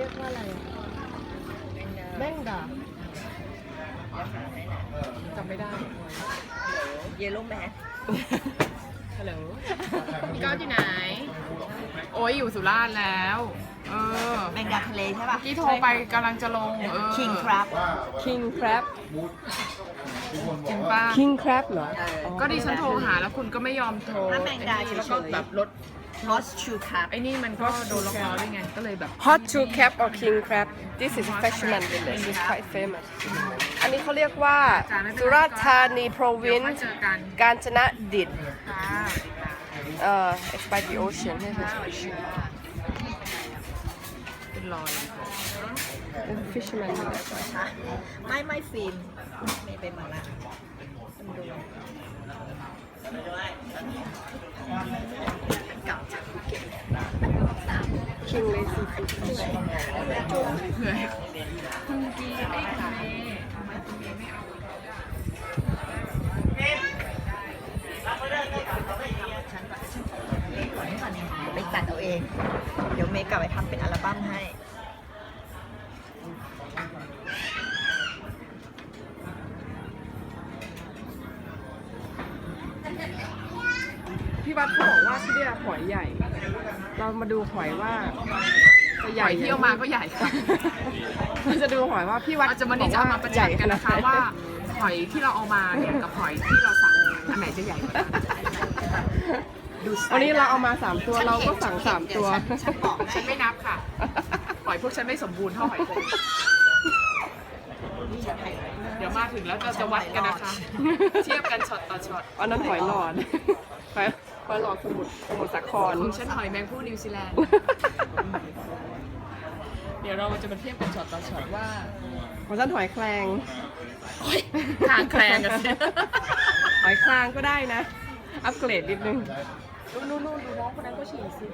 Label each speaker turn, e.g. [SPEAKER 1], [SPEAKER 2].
[SPEAKER 1] รียกว่าอะไรแม่งดาจำไม่ได้
[SPEAKER 2] เยลโล่แมส
[SPEAKER 1] ฮัลโหลพี่ก้าวอยู่ไหนโอ้ยอยู่สุราษฎร์แล้ว
[SPEAKER 2] แมงดาทะเลใช่ป่ะ
[SPEAKER 1] ที่โทรไปกำลังจะลง
[SPEAKER 2] King Crab
[SPEAKER 3] King Crab
[SPEAKER 1] จริงป่ะ
[SPEAKER 3] King Crab เหรอ
[SPEAKER 1] ก็ดิฉันโทรหาแล้วคุณก็ไม่ยอมโทร
[SPEAKER 2] ถ้าแมงดาเฉยๆ
[SPEAKER 1] แล้วก็แบบลด
[SPEAKER 2] Hot Shoe Crab
[SPEAKER 1] ไอ้นี่มันก็โดนล็อกล้อด้วยไงก็เลยแบบ
[SPEAKER 3] Hot Shoe Crab or King Crab this is fisherman village it's quite famous อันนี้เขาเรียกว่าสุราษฎร์ธานี province กาญจนดิษฐ์it's by the ocean ใช่ไหม
[SPEAKER 1] เป็นรอย
[SPEAKER 3] เป็น fisherman village
[SPEAKER 2] ไม่ฟิล์มไม่เป็นมาละมันดูเก่าจากภูเก็ต
[SPEAKER 3] King Lazy Fish
[SPEAKER 1] เผื่อคุณกีไม่ขายทำไมคุณกีไม่เอา
[SPEAKER 2] ไปตัดเอาเองเดี๋ยวเมย์กลับไปทำเป็นอัลบั้มให้
[SPEAKER 3] พี่วัดเขาบอกว่าที่นี่หอยใหญ่ เรามาดูหอยว่าจะใหญ่
[SPEAKER 1] ที่เอามาก็ใหญ่ค่ะ
[SPEAKER 3] เราจะดูหอยว่าพี่วัด
[SPEAKER 1] เราจะมานี่จะเอามาประชันกันนะคะว่าหอยที่เราเอามาเนี่ยกับหอยที่เราสั่งอันไหนจะใหญ่กว่ากัน
[SPEAKER 3] วันนี้เราเอามา3ตัวเราก็สั่ง3ตัว
[SPEAKER 1] ฉันไม่นับค่ะหอยพวกฉันไม่สมบูรณ์เท่าหอยโข่งเดี๋ยวมาถึงแล้วเราจะวัดกันนะคะเทียบกันช็อตต่อช็อต
[SPEAKER 3] อันนั้นหอยหลอดหอยหลอดสมุทรสาคร
[SPEAKER 1] ของฉันหอยแมงผู้นิวซีแลนด์เดี๋ยวเราจะมาเทียบกันช็อตต่อช็อตว่า
[SPEAKER 3] ของฉันหอยแครง
[SPEAKER 1] ทางแครงกันสิ
[SPEAKER 3] หอยคลางก็ได้นะอัปเกรดนิดนึง
[SPEAKER 1] นู่นดูน้องคนนั้นก็ฉี่สิ